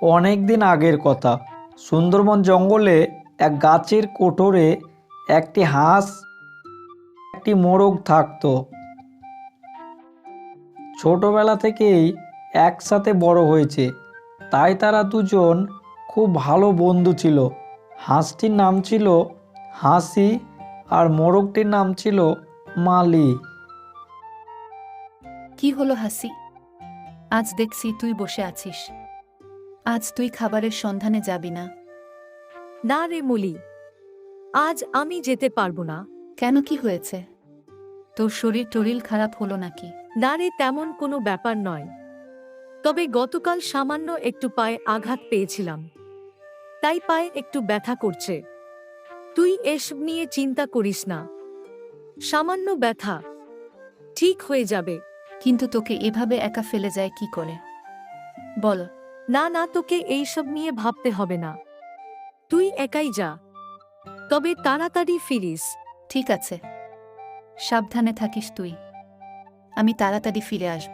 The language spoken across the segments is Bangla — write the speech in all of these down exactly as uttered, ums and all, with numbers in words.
অনেক দিন আগের কথা। সুন্দরবন জঙ্গলে এক গাছের কোটরে একটি হাঁস, একটি মোরগ থাকতো। ছোটবেলা থেকেই একসাথে বড় হয়েছে, তাই তারা দুজন খুব ভালো বন্ধু ছিল। হাঁসটির নাম ছিল হাসি আর মোরগটির নাম ছিল মালি। কি হলো হাসি? আজ দেখছি তুই বসে আছিস। আজ তুই খাবারের সন্ধানে যাবি না? না রে মলি, আজ আমি যেতে পারবো না। কেন, কি হয়েছে? তোর শরীর টরিল খারাপ হলো নাকি? না রে, তেমন কোনো ব্যাপার নয়। তবে গতকাল সামান্য একটু পায়ে আঘাত পেয়েছিলাম, তাই পায়ে একটু ব্যথা করছে। তুই এসব নিয়ে চিন্তা করিস না, সামান্য ব্যথা, ঠিক হয়ে যাবে। কিন্তু তোকে এভাবে একা ফেলে যায় কি করে বল? না না, তোকে এইসব নিয়ে ভাবতে হবে না, তুই একাই যা, তবে তাড়াতাড়ি ফিরিস। ঠিক আছে, সাবধানে থাকিস তুই। আমি তাড়াতাড়ি ফিরে আসব।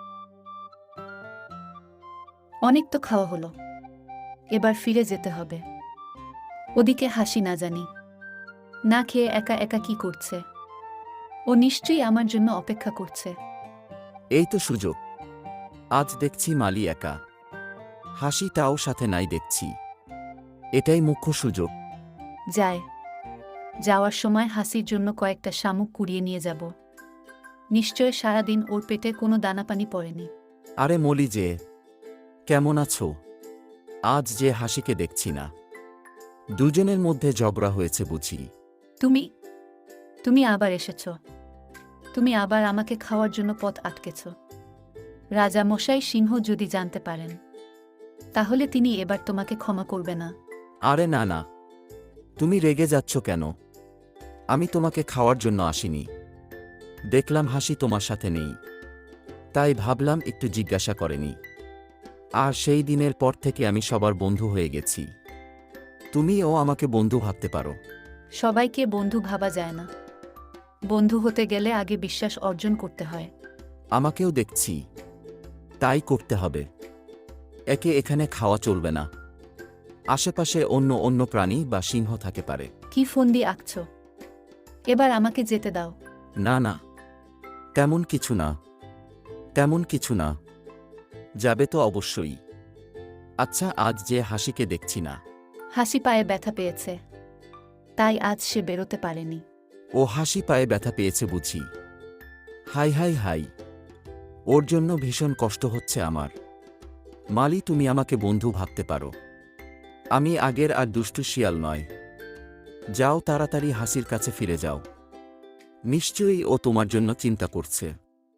অনেক তো খাওয়া হলো, এবার ফিরে যেতে হবে। ওদিকে হাসি না জানি না খেয়ে একা একা কি করছে। ও নিশ্চয়ই আমার জন্য অপেক্ষা করছে। এই তো সুযোগ। আজ দেখছি মালি একা, হাসিটাও সাথে নাই দেখছি। এটাই মুখ্য সুযোগ। যায়, যাওয়ার সময় হাসির জন্য কয়েকটা শামুক কুড়িয়ে নিয়ে যাব। নিশ্চয় সারাদিন ওর পেটে কোনো দানাপানি পড়েনি। আরে মলি যে, কেমন আছো? আজ যে হাসিকে দেখছি না। দুজনের মধ্যে ঝগড়া হয়েছে বুঝি। তুমি তুমি আবার এসেছ। তুমি আবার আমাকে খাওয়ার জন্য পথ আটকেছ। রাজা মশাই সিংহ যদি জানতে পারেন, তাহলে তিনি এবার তোমাকে ক্ষমা করবে না। আরে না না, তুমি রেগে যাচ্ছ কেন? আমি তোমাকে খাওয়ার জন্য আসিনি। দেখলাম হাসি তোমার সাথে নেই, তাই ভাবলাম একটু জিজ্ঞাসা করেনি। আর সেই দিনের পর থেকে আমি সবার বন্ধু হয়ে গেছি। তুমিও আমাকে বন্ধু ভাবতে পারো। সবাইকে বন্ধু ভাবা যায় না। বন্ধু হতে গেলে আগে বিশ্বাস অর্জন করতে হয়। আমাকেও দেখছি, তাই করতে হবে। একে এখানে খাওয়া চলবে না। আশেপাশে অন্য অন্য প্রাণী বা সিংহ থাকে পারে। কি ফন্দি আঁকছ? এবার আমাকে যেতে দাও। না না, তেমন কিছু না, তেমন কিছু না। যাবে তো অবশ্যই। আচ্ছা, আজ যে হাসিকে দেখছি না। হাসি পায়ে ব্যথা পেয়েছে, তাই আজ সে বেরোতে পারেনি। ও হাসি পায়ে ব্যথা পেয়েছে বুঝি। হাই হাই হাই, ওর জন্য ভীষণ কষ্ট হচ্ছে আমার। মালি, তুমি আমাকে বন্ধু ভাবতে পারো। আমি আগের আর দুষ্টু শিয়াল নয়। যাও, তাড়াতাড়ি হাসির কাছে ফিরে যাও। নিশ্চয়ই ও তোমার জন্য চিন্তা করছে।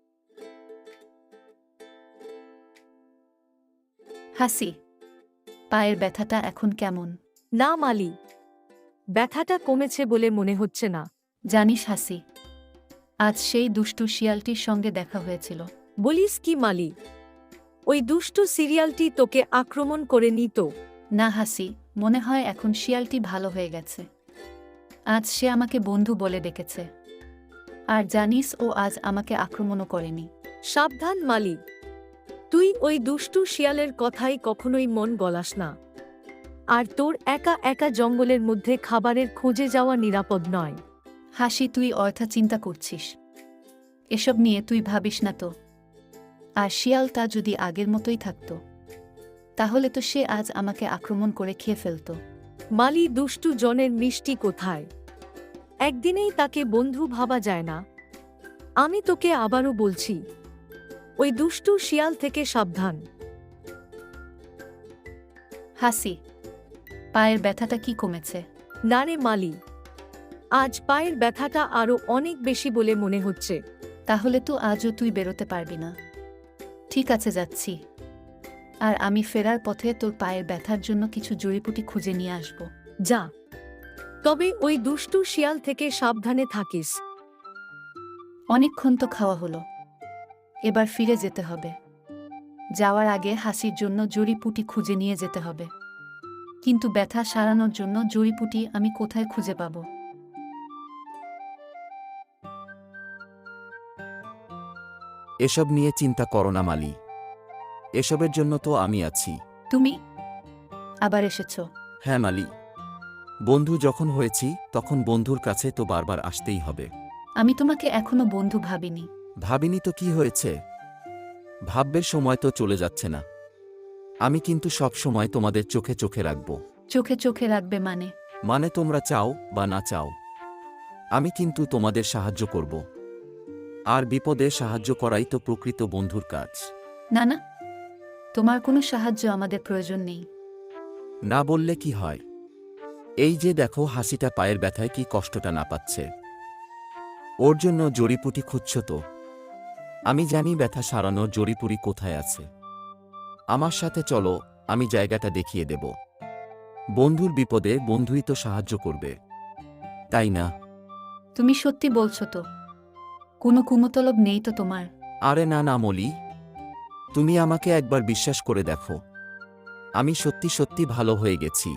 হাসি, পায়ের ব্যথাটা এখন কেমন? না মালি, ব্যথাটা কমেছে বলে মনে হচ্ছে না। জানিস হাসি, আজ সেই দুষ্টু শিয়ালটির সঙ্গে দেখা হয়েছিল। বলিস কি মালি? ওই দুষ্টু সিরিয়ালটি তোকে আক্রমণ করে নিত? না হাসি, মনে হয় এখন শিয়ালটি ভালো হয়ে গেছে। আজ সে আমাকে বন্ধু বলে ডেকেছে। আর জানিস, ও আজ আমাকে আক্রমণও করেনি। সাবধান মালি, তুই ওই দুষ্টু শিয়ালের কথাই কখনোই মন গলাস না। আর তোর একা একা জঙ্গলের মধ্যে খাবারের খোঁজে যাওয়া নিরাপদ নয়। হাসি, তুই অর্থা চিন্তা করছিস। এসব নিয়ে তুই ভাবিস না তো। আর শিয়ালটা যদি আগের মতোই থাকতো, তাহলে তো সে আজ আমাকে আক্রমণ করে খেয়ে ফেলত। মালি, দুষ্টু জনের মিষ্টি কোথায়? একদিনেই তাকে বন্ধু ভাবা যায় না। আমি তোকে আবারও বলছি, ওই দুষ্টু শিয়াল থেকে সাবধান। হাসি, পায়ের ব্যথাটা কি কমেছে? না রে মালি, আজ পায়ের ব্যথাটা আরো অনেক বেশি বলে মনে হচ্ছে। তাহলে তো আজও তুই বেরোতে পারবি না। ঠিক আছে, যাচ্ছি। আর আমি ফেরার পথে তোর পায়ের ব্যথার জন্য কিছু জড়িপুটি খুঁজে নিয়ে আসব। যা, তবে ওই দুষ্টু শিয়াল থেকে সাবধানে থাকিস। অনেকক্ষণ তো খাওয়া হলো, এবার ফিরে যেতে হবে। যাওয়ার আগে হাসির জন্য জড়িপুটি খুঁজে নিয়ে যেতে হবে। কিন্তু ব্যথা সারানোর জন্য জড়িপুটি আমি কোথায় খুঁজে পাব? এসব নিয়ে চিন্তা করো না মালি, এসবের জন্য তো আমি আছি। তুমি আবার এসেছো। হ্যাঁ মালি, বন্ধু যখন হয়েছি তখন বন্ধুর কাছে তো বারবার আসতেই হবে। আমি তোমাকে এখনো বন্ধু ভাবিনি। ভাবিনি তো কি হয়েছে, ভাববের সময় তো চলে যাচ্ছে না। আমি কিন্তু সব সময় তোমাদের চোখে চোখে রাখব। চোখে চোখে রাখবে মানে? মানে তোমরা চাও বা না চাও, আমি কিন্তু তোমাদের সাহায্য করব। আর বিপদে সাহায্য করাই তো প্রকৃত বন্ধুর কাজ। না না, তোমার কোনো সাহায্য আমাদের প্রয়োজন নেই। না বললে কি হয়? এই যে দেখো হাসিটা পায়ের ব্যথায় কি কষ্টটা না পাচ্ছে। ওর জন্য জড়িপুটি খুঁজছ তো? আমি জানি ব্যথা সারানোর জড়িপুরি কোথায় আছে। আমার সাথে চলো, আমি জায়গাটা দেখিয়ে দেব। বন্ধুর বিপদে বন্ধুই তো সাহায্য করবে, তাই না? তুমি সত্যি বলছো তো? কোনো কুমতলব নেই তো তোমার? আরে না না মলি, তুমি আমাকে একবার বিশ্বাস করে দেখো, আমি সত্যি সত্যি ভালো হয়ে গেছি।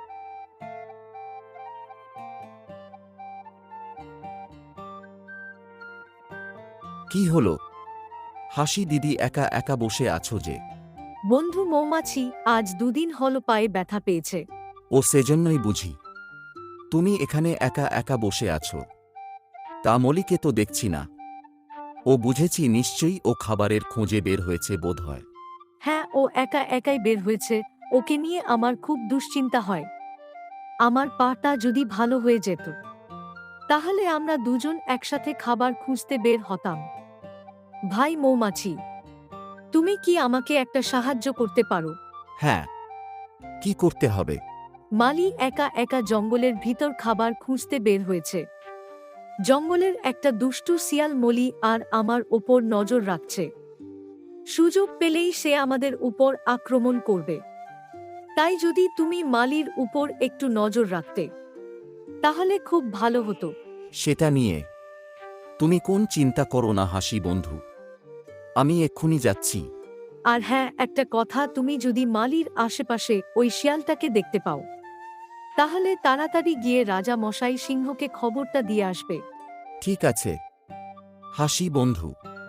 কি হলো হাসি দিদি, একা একা বসে আছো যে? বন্ধু মৌমাছি আজ দুদিন হলো পায়ে ব্যথা পেয়েছে। ও সেজন্যই বুঝি তুমি এখানে একা একা বসে আছো। তা মলিকে তো দেখছি না। ও বুঝেছি নিশ্চয়ই ও খাবারের খোঁজে বের হয়েছে বোধহয়। হ্যাঁ, ও একা একাই বের হয়েছে। ওকে নিয়ে আমার খুব দুশ্চিন্তা হয়। আমার পাটা যদি ভালো হয়ে যেত, তাহলে আমরা দুজন একসাথে খাবার খুঁজতে বের হতাম। ভাই মৌমাছি, তুমি কি আমাকে একটা সাহায্য করতে পারো? হ্যাঁ, কি করতে হবে? মালি একা একা জঙ্গলের ভিতর খাবার খুঁজতে বের হয়েছে। জঙ্গলের একটা দুষ্টু শিয়াল মলি আর আমার ওপর নজর রাখছে। সুযোগ পেলেই সে আমাদের উপর আক্রমণ করবে। তাই যদি তুমি মালির উপর একটু নজর রাখতে, তাহলে খুব ভালো হতো। সেটা নিয়ে তুমি কোন চিন্তা করো না হাসি বন্ধু, আমি এক্ষুনি যাচ্ছি। আর হ্যাঁ, একটা কথা, তুমি যদি মালির আশেপাশে ওই শিয়ালটাকে দেখতে পাও, তাহলে তাড়াতাড়ি গিয়ে রাজা মশাই সিংহকে খবরটা দিয়ে আসবে। ঠিক আছে হাসি বন্ধু।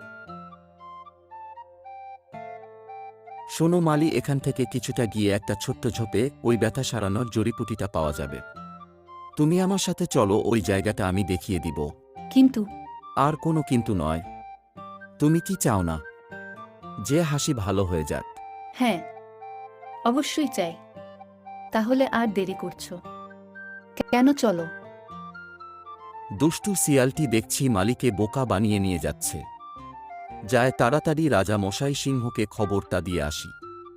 শোনো মালি, এখান থেকে কিছুটা গিয়ে একটা ছোট্ট ঝোপে ওই ব্যথা সারানোর জড়িপুটিটা পাওয়া যাবে। তুমি আমার সাথে চলো, ওই জায়গাটা আমি দেখিয়ে দিব। কিন্তু আর কোনো কিন্তু নয়। তুমি কি চাও না যে হাসি ভালো হয়ে যাক? হ্যাঁ, অবশ্যই চাই। তাহলে আর দেরি করছো কেন? চলো। দুষ্টু শিয়ালটি দেখছি মালিকে বোকা বানিয়ে নিয়ে যাচ্ছে। যায় তাড়াতাড়ি রাজা মশাই সিংহকে খবরটা দিয়ে আসি।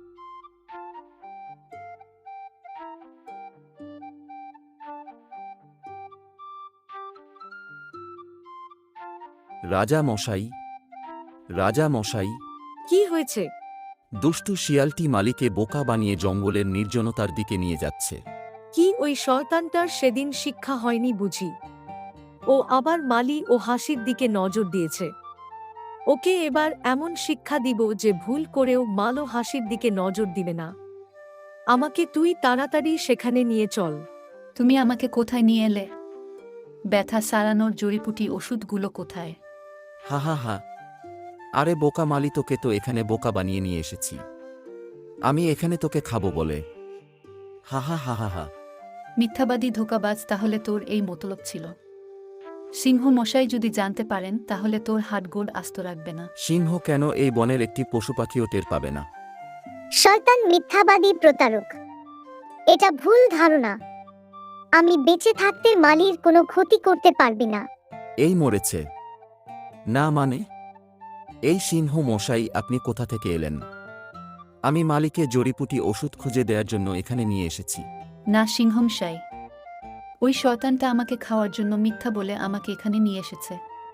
রাজা মশাই, রাজা মশাই। কি হয়েছে? দুষ্টু শিয়ালটি মালিকে বোকা বানিয়ে জঙ্গলের নির্জনতার দিকে নিয়ে যাচ্ছে। কি ওই শয়তানটার সেদিন শিক্ষা হয়নি বুঝি? ও আবার মালি ও হাসির দিকে নজর দিয়েছে। ওকে এবার এমন শিক্ষা দিব যে ভুল করেও মালো হাসির দিকে নজর দিবে না। আমাকে তুই তাড়াতাড়ি সেখানে নিয়ে চল। তুমি আমাকে কোথায় নিয়ে এলে? ব্যথা সারানোর জড়িপুটি ওষুধগুলো কোথায়? হা হা হা, আরে বোকা মালি, তোকে তো এখানে বোকা বানিয়ে নিয়ে এসেছি আমি, এখানে তোকে খাবো বলে। হা হা হা হা হা। মিথ্যাবাদী ধোঁকাবাজ, তাহলে তোর এই মতলব ছিল। সিংহ মশাই যদি জানতে পারেন, তাহলে তোর হাড়গোড় আস্ত রাখবে না। সিংহ কেন, এই বনের একটি পশু পাখিও টের পাবে না। শয়তান, মিথ্যাবাদী, প্রতারক। এটা ভুল ধারণা। আমি বেঁচে থাকতে মালির কোনো ক্ষতি করতে পারবি না। এই মরেছে না মানে? এই সিংহ মশাই, আপনি কোথা থেকে এলেন? আমি মালিকে জড়িপুটি ওষুধ খুঁজে দেওয়ার জন্য এখানে নিয়ে এসেছি। না সিংহমশাই, ওই শয়তানটা আমাকে খাওয়ার জন্য মিথ্যা বলে আমাকে এখানে নিয়ে এসেছে।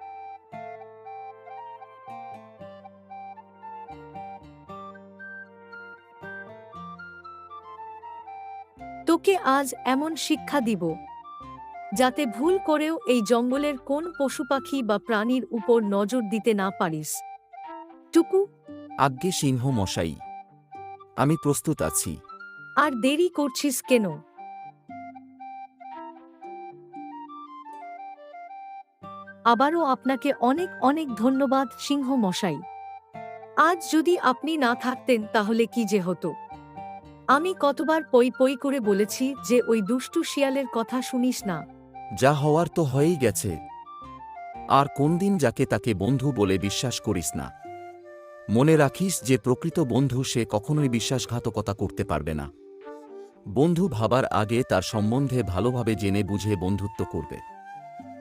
তোকে আজ এমন শিক্ষা দিব, যাতে ভুল করেও এই জঙ্গলের কোন পশু পাখি বা প্রাণীর উপর নজর দিতে না পারিস। টুকু, আজ্ঞে সিংহ মশাই, আমি প্রস্তুত আছি। আর দেরি করছিস কেন? আবারও আপনাকে অনেক অনেক ধন্যবাদ সিংহ মশাই। আজ যদি আপনি না থাকতেন তাহলে কি যে হতো। আমি কতবার পই পই করে বলেছি যে ওই দুষ্টু শিয়ালের কথা শুনিস না। যা হওয়ার তো হয়েই গেছে। আর কোনদিন যাকে তাকে বন্ধু বলে বিশ্বাস করিস না। মনে রাখিস যে প্রকৃত বন্ধু সে কখনোই বিশ্বাসঘাতকতা করতে পারবে না। বন্ধু ভাবার আগে তার সম্বন্ধে ভালোভাবে জেনে বুঝে বন্ধুত্ব করবে।